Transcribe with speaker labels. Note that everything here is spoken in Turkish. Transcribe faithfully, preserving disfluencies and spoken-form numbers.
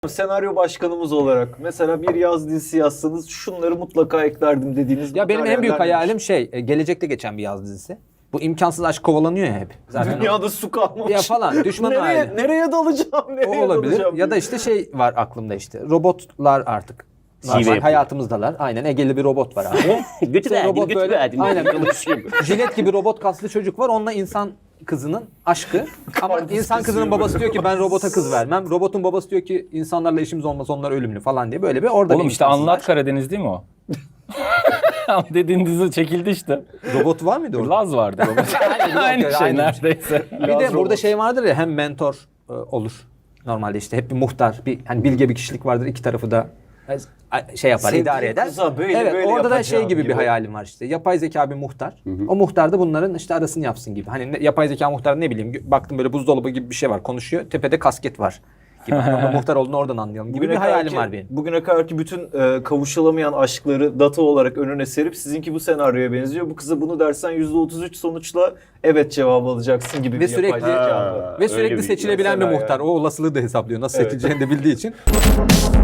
Speaker 1: Senaryo başkanımız olarak mesela bir yaz dizisi yazsanız şunları mutlaka eklerdim dediğiniz
Speaker 2: Ya benim en büyük
Speaker 1: materyaller
Speaker 2: hayalim şey, e, gelecekte geçen bir yaz dizisi. Bu imkansız aşk kovalanıyor ya hep. Zaten
Speaker 1: dünyada su kalmamış.
Speaker 2: ya falan düşman
Speaker 1: nereye,
Speaker 2: aile.
Speaker 1: nereye dalacağım? Nereye
Speaker 2: O olabilir.
Speaker 1: dalacağım?
Speaker 2: Ya da işte şey var aklımda işte. Robotlar artık.
Speaker 3: Şive
Speaker 2: Normal
Speaker 3: yapıyor.
Speaker 2: hayatımızdalar. Aynen Egeli bir robot var abi.
Speaker 3: Götü
Speaker 2: İşte
Speaker 3: verdim,
Speaker 2: robot
Speaker 3: götü
Speaker 2: böyle-
Speaker 3: verdim.
Speaker 2: aynen.
Speaker 3: Konuşuyor.
Speaker 2: Jilet gibi robot kaslı çocuk var. Onunla insan kızının aşkı. Ama
Speaker 1: Karpuz
Speaker 2: insan kızının
Speaker 1: kesiyor
Speaker 2: babası
Speaker 1: böyle.
Speaker 2: diyor ki ben robota kız vermem. Robotun babası diyor ki insanlarla işimiz olmaz, onlar ölümlü falan diye böyle bir orada
Speaker 4: Oğlum
Speaker 2: bir
Speaker 4: işte
Speaker 2: imkansız
Speaker 4: Anlat
Speaker 2: aşk.
Speaker 4: Karadeniz değil mi o? Ama dediğin dizi çekildi işte.
Speaker 2: Robot var mıydı orada?
Speaker 4: Laz vardı. Aynı şey
Speaker 2: Aynı
Speaker 4: neredeyse.
Speaker 2: Bir de
Speaker 1: Laz
Speaker 2: burada
Speaker 1: robot.
Speaker 2: şey vardır ya, hem mentor e, olur. Normalde işte hep bir muhtar, bir hani bilge bir kişilik vardır, iki tarafı da e, şey yapar,
Speaker 1: Sevdiği
Speaker 2: idare eder.
Speaker 1: kıza böyle
Speaker 2: evet,
Speaker 1: böyle
Speaker 2: orada da şey
Speaker 1: yapacağım
Speaker 2: gibi, bir
Speaker 1: gibi.
Speaker 2: hayalim var işte. Yapay zeka bir muhtar. O muhtar da bunların işte arasını yapsın gibi. Hani ne- yapay zeka muhtar, ne bileyim, baktım böyle buzdolabı gibi bir şey var, konuşuyor. Tepede kasket var gibi. Ama muhtar olduğunu oradan anlayalım gibi bir hayalim
Speaker 1: kadarki-
Speaker 2: var benim.
Speaker 1: Bugüne kadarki bütün e, kavuşulamayan aşkları data olarak önüne serip sizinki bu senaryoya benziyor. Bu kıza bunu dersen yüzde otuz üç sonuçla evet cevabı alacaksın gibi
Speaker 2: Ve
Speaker 1: bir
Speaker 2: sürekli
Speaker 1: yapay zeka var.
Speaker 3: Ha,
Speaker 2: ve
Speaker 3: öyle
Speaker 2: sürekli
Speaker 3: bir
Speaker 2: seçilebilen bir
Speaker 1: mesela
Speaker 2: muhtar.
Speaker 1: yani.
Speaker 2: O olasılığı da hesaplıyor. Nasıl
Speaker 1: Evet.
Speaker 2: seçileceğini de bildiği için.